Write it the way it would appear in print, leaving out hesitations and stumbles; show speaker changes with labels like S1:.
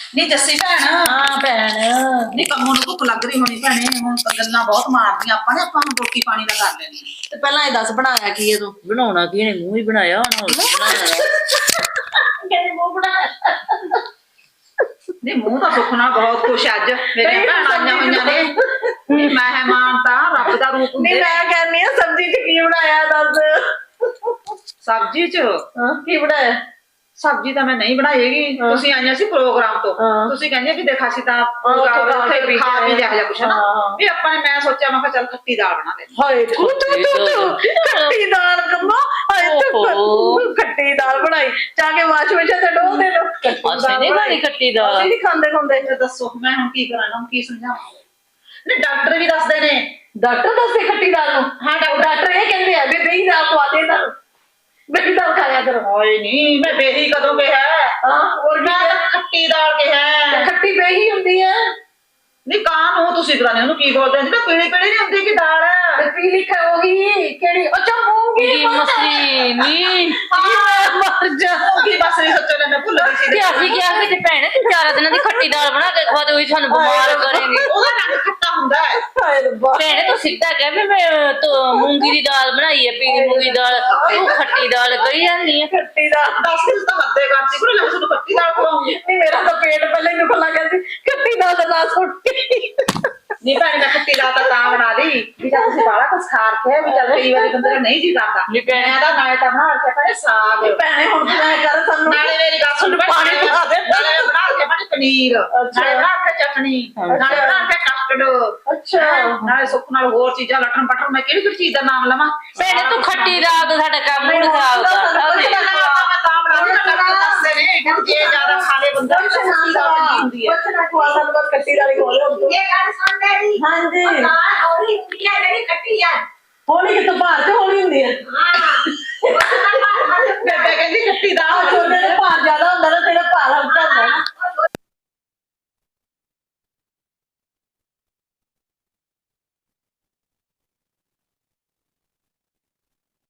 S1: ਨਹੀਂ ਜੱਸੀ ਭੈਣ
S2: ਹਾਂ ਭੈਣ
S1: ਨਹੀਂ ਕੰਮੋਂ ਨੂੰ ਭੁੱਖ ਲੱਗ ਰਹੀ ਹੋਣੀ ਭੈਣੇ ਹੁਣ ਤਾਂ ਗੱਲਾਂ ਬਹੁਤ ਮਾਰਦੀਆਂ ਆਪਾਂ ਨੇ ਆਪਾਂ ਹੁਣ ਰੋਟੀ ਪਾਣੀ ਦਾ ਕਰ ਲੈਣੀ
S2: ਤੇ ਪਹਿਲਾਂ ਇਹ ਦੱਸ ਬਣਾਇਆ ਕੀ ਹੈ ਤੂੰ
S3: ਬਣਾਉਣਾ ਕੀ ਨੇ ਮੂੰਹ ਹੀ ਬਣਾਇਆ ਹੁਣ ਹੋਰ ਕੀ ਬਣਾਇਆ
S2: ਕਹਿੰਦੀ ਮੂੰਹ ਬਣਾਇਆ
S1: ਨਹੀਂ ਮੂੰਹ ਤਾਂ ਸੁਖਣਾ ਬਹੁਤ ਖੁਸ਼ ਅੱਜ ਮੇਰੀਆਂ ਭੈਣਾਂ ਆਈਆਂ ਹੋਈਆਂ ਨੇ ਨਹੀਂ ਮਹਿਮਾਨ ਤਾਂ ਰੱਬ ਦਾ ਰੂਪ
S2: ਨਹੀਂ
S1: ਹੁੰਦੇ
S2: ਮੈਂ ਕਹਿੰਦੀ ਆ ਸਬਜ਼ੀ ਚ ਕੀ ਬਣਾਇਆ ਦੱਸ
S1: ਸਬਜ਼ੀ ਚ
S2: ਹਾਂ ਕੀ ਬਣਾਇਆ
S1: ਸਬਜ਼ੀ ਤਾਂ ਮੈਂ ਨਹੀਂ ਬਣਾਈ ਹੈਗੀ ਤੁਸੀਂ ਆਈਆਂ ਸੀ ਪ੍ਰੋਗਰਾਮ ਤੋਂ ਤੁਸੀਂ ਕਹਿੰਦੇ ਵੀ ਦੇਖ ਅਸੀਂ ਤਾਂ ਉੱਥੇ ਖਾ ਪੀ ਲਿਆ ਜਾਂ ਕੁਛ ਨਾ ਵੀ ਆਪਾਂ ਨੇ ਮੈਂ ਸੋਚਿਆ ਮੈਂ ਕਿਹਾ ਚੱਲ ਖੱਟੀ ਦਾਲ ਬਣਾ ਦੇ
S2: ਹਾਏ ਤੂੰ ਖੱਟੀ ਦਾਲ ਕੰਮੋ ਹਾਏ ਤੂੰ ਖੱਟੀ ਦਾਲ ਬਣਾਈ ਜਾ ਕੇ ਵਾਸ਼ਵੇਸ਼ਨ ਤੇ ਡੋਲ ਦੇ ਲੋ
S3: ਅਸੀਂ ਨਹੀਂ ਖਾਣੀ ਖੱਟੀ ਦਾਲ
S2: ਅਸੀਂ ਨਹੀਂ ਖਾਂਦੇ ਖਾਂਦੇ
S1: ਦੱਸੋ ਮੈਂ ਹੁਣ ਕੀ ਕਰਾਂ ਨਾ ਕੀ ਸਮਝਾਵਾਂ ਨਹੀਂ ਡਾਕਟਰ ਵੀ ਦੱਸਦੇ ਨੇ
S2: ਡਾਕਟਰ ਦੱਸਦੇ ਖੱਟੀ ਦਾਲ ਨੂੰ
S1: ਹਾਂ
S2: ਡਾਕਟਰ ਇਹ ਕਹਿੰਦੇ ਆ ਵੀ ਬਈ ਦਾਲ ਖਵਾ ਦੇ ਇਹਨਾਂ ਨੂੰ ਬਈ ਦਾਲ ਖਾਇਆ ਕਰੋ
S1: ਹਾਏ ਨਹੀਂ ਮੈਂ ਬੇਹੀ ਕਦੋਂ ਕਿਹਾ
S2: ਹਾਂ ਹੋਰ
S1: ਮੈਂ ਤਾਂ ਖੱਟੀ ਦਾਲ ਕਿਹਾ
S2: ਖੱਟੀ ਬੇਹੀ ਹੁੰਦੀ ਹੈ
S1: ਨਹੀਂ ਕਾਂ ਨੂੰ ਤੁਸੀਂ ਕਰਾਣੇ ਉਹਨੂੰ ਕੀ ਬੋਲਦੇ ਨੇ ਪੀਲੀ ਪੀਲੀ ਨਹੀਂ ਹੁੰਦੀ ਕਿ ਦਾਲ
S2: ਪੀਲੀ ਖਾਓਗੀ ਕਿਹੜੀ ਅੱਛਾ ਮੂੰਗੀ
S3: ਕੀ ਮਸਲੀ ਨਹੀਂ
S2: ਮਰ ਜਾ
S1: ਕੀ ਬਸ ਨਹੀਂ ਸੋਚੋ ਮੈਂ ਭੁੱਲ ਗਈ ਸੀ
S3: ਕਿ ਅਸੀਂ ਕਿਹਾ ਕਿ ਭੈਣੇ ਤੂੰ 4 ਦਿਨਾਂ ਦੀ ਖੱਟੀ ਦਾਲ ਬਣਾ ਕੇ ਖਵਾ ਦੇ ਉਹੀ ਸਾਨੂੰ ਬਿਮਾਰ ਕਰੇਗੀ
S1: ਉਹਦਾ ਰੰਗ ਖੱਟਾ ਹੁੰਦਾ ਹੈ
S2: ਹਾਏ ਰੱਬਾ
S3: ਭੈਣੇ ਤੂੰ ਸਿੱਧਾ ਕਹਿ ਵੀ ਮੈਂ ਮੂੰਗੀ ਦੀ ਦਾਲ ਬਣਾਈ ਹੈ ਪੀਲੀ ਮੂੰਗੀ ਦਾਲ ਤੂੰ ਖੱਟੀ ਦਾਲ ਕਹੀ ਜਾਂਦੀ ਹੈ
S2: ਖੱਟੀ ਦਾਲ
S1: 10 ਦਿਨ ਤਾਂ ਹੱਦੇ ਕਰਤੀ ਕੋਲ ਲੈ ਤੁਹਾਨੂੰ ਖੱਟੀ ਦਾਲ ਖਵਾਉਂਗੀ
S2: ਨਹੀਂ ਮੇਰਾ ਤਾਂ ਪੇਟ ਪਹਿਲੇ ਹੀ ਦੁਖਣ ਲੱਗਾ ਸੀ ਖੱਟੀ ਦਾਲ ਦਾ ਨਾਂ ਸੁੱਟੀ
S1: ਨਹੀਂ ਭੈਣੇ ਮੈਂ ਖੱਟੀ ਦਾਲ ਤਾਂ ਬਣਾ ਲਈ ਵੀ ਚੱਲ ਤੁਸੀਂ ਬਾਹਲਾ ਕੁਛ ਖਾ ਰੱਖਿਆ ਵੀ ਚੱਲ ਕਈ ਵਾਰੀ ਬੰਦੇ ਦਾ ਨਹੀਂ ਜੀ ਕਰਦਾ ਮੈਂ ਤਾਂ ਨਾਲੇ ਤਾਂ ਬਣਾ ਰੱਖਿਆ ਭੈਣੇ ਸਾਗ
S2: ਭੈਣੇ ਹੁਣ ਤੂੰ ਐ ਕਰ ਸਾਨੂੰ
S1: ਨਾਲੇ ਮੇਰੀ ਗੱਲ ਸੁਣ
S2: ਪਾਣੀ ਪਿਲਾ ਦੇ।
S1: ਨਾਲੇ ਮੈਂ ਬਣਾ ਕੇ ਭੈਣੇ ਪਨੀਰ ਨਾਲੇ ਬਣਾ ਕੇ ਚਟਣੀ ਨਾਲੇ ਬਣਾ ਕੇ ਕਸਟਰਡ
S2: ਅੱਛਾ
S1: ਨਾਲੇ ਸੁੱਕ ਨਾਲ ਹੋਰ ਚੀਜ਼ਾਂ ਲਟਣ ਪਟਣ ਮੈਂ ਕਿਹੜੀ ਚੀਜ਼ ਦਾ ਨਾਮ ਲਵਾਂ
S3: ਭੈਣੇ ਤੂੰ ਖੱਟੀ ਦਾਲ ਤੋਂ ਸਾਡਾ ਕੰਮ ਨਹੀਂ ਖਰਾਬ ਕਰਦਾ
S1: ਮੈਂ ਤਾਂ ਬਣਾ ਲਈ ਡਾਕਟਰ ਦੱਸਦੇ ਨੇ ਕਿ ਜੇ ਜ਼ਿਆਦਾ ਖਾ ਲੇ ਬੰਦਾ ਤਾਂ ਖੱਟੀ ਦਾਲ ਚੰਗੀ ਹੁੰਦੀ ਹੈ
S2: ਕੁਛ ਨਾ ਖਵਾ ਸਾਨੂੰ ਬਸ ਖੱਟੀ ਦਾਲ ਹੀ ਖਵਾ ਦੇ
S4: ਇਹ ਗੱਲ ਸੁਣਦੇ ਨਹੀਂ
S2: ਹਾਂਜੀ
S4: ਦਾਲ ਹੌਲੀ ਹੁੰਦੀ ਹੈ ਜਿਹੜੀ ਖੱਟੀ ਆ
S2: ਹੋਣੀ ਕਿਤੋਂ ਭਾਰ ਤੇ ਹੋਣੀ ਹੁੰਦੀ ਹੈ
S4: ਹਾਂ